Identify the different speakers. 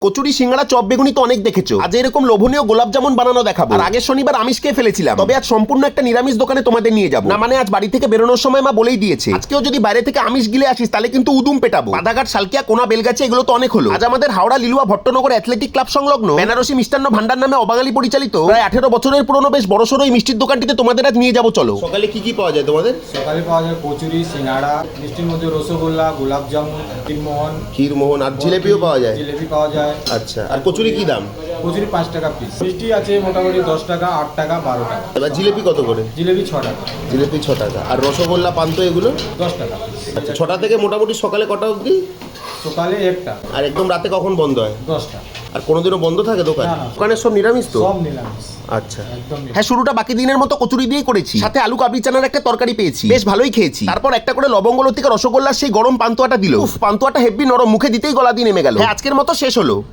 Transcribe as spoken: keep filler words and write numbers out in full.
Speaker 1: কচুরি, সিঙ্গাড়া, chop, বেগুনি তো অনেক দেখেছো। আজ এরকম লোভনীয় গোলাপ জামুন বানানো দেখাবো। আর আগের শনিবার আমিষ খেয়ে ফেলেছিলাম, তবে আজ সম্পূর্ণ একটা নিরামিষ দোকানে তোমাদের নিয়ে যাবো। না মানে আজ বাড়ি থেকে বেরোনোর সময় মা বলেই দিয়েছে, আজকেও যদি বাইরে থেকে আমিষ গিলে আসিস তাহলে কিন্তু উদুম পেটাবো। বাদাঘাট, সালকিয়া, কোনা, বেলগাছি এগুলো তো অনেক হলো। আজ আমাদের হাওড়া লিলুয়া ভট্টনগর অ্যাথলেটিক ক্লাব সংলগ্ন বেনারসি মিষ্টান্ন ভান্ডার নামে অবাঙালি পরিচালিত প্রায় আঠেরো বছরের পুরনো বেশ বড়সড় এই মিষ্টির দোকানটিতে তোমাদের আজ নিয়ে যাবো। চলো। সকালে কি কি পাওয়া যায় তোমাদের?
Speaker 2: সকালে পাওয়া যায় কচুরি, সিঙ্গাড়া, মিষ্টির মধ্যে রসগোল্লা, গোলাপ জামুন, ক্ষীরমোহন,
Speaker 1: ক্ষীরমোহন আর জিলেপিও পাওয়া যায়।
Speaker 2: জিলেপি পাওয়া যায়।
Speaker 1: আচ্ছা, আর কচুরি কি দাম?
Speaker 2: কচুরি পাঁচ টাকা পিস। মিষ্টি আছে মোটামুটি দশ টাকা, আট টাকা, বারো টাকা।
Speaker 1: এবার জিলেপি কত করে?
Speaker 2: জিলেপি ছ টাকা।
Speaker 1: জিলেপি ছ টাকা। আর রসগোল্লা, পান্তো এগুলো
Speaker 2: দশ টাকা পিস।
Speaker 1: আচ্ছা, ছটা থেকে মোটামুটি সকালে কটা অবধি?
Speaker 2: সকালে একটা।
Speaker 1: আর একদম রাতে কখন বন্ধ হয়?
Speaker 2: দশটা।
Speaker 1: আর কোনোদিনও বন্ধ থাকে দোকান?
Speaker 2: না, না।
Speaker 1: দোকানের সব নিরামিষ তো?
Speaker 2: সব নিরামিষ।
Speaker 1: আচ্ছা,
Speaker 2: একদম নিরামিষ।
Speaker 1: হ্যাঁ, শুরুটা বাকি দিনের মতো কচুরি দিয়েই করেছি, সাথে আলু কাবলি চানার একটা তরকারি পেয়েছি, বেশ ভালোই খেয়েছি। তারপর একটা করে লবঙ্গ লতিকা রসগোল্লার সেই গরম পান্তুয়াটা দিল। উফ, পান্তুয়াটা হেভি নরম, মুখে দিতেই গলা দিয়ে নেমে গেল। হ্যাঁ, আজকের মতো শেষ হলো।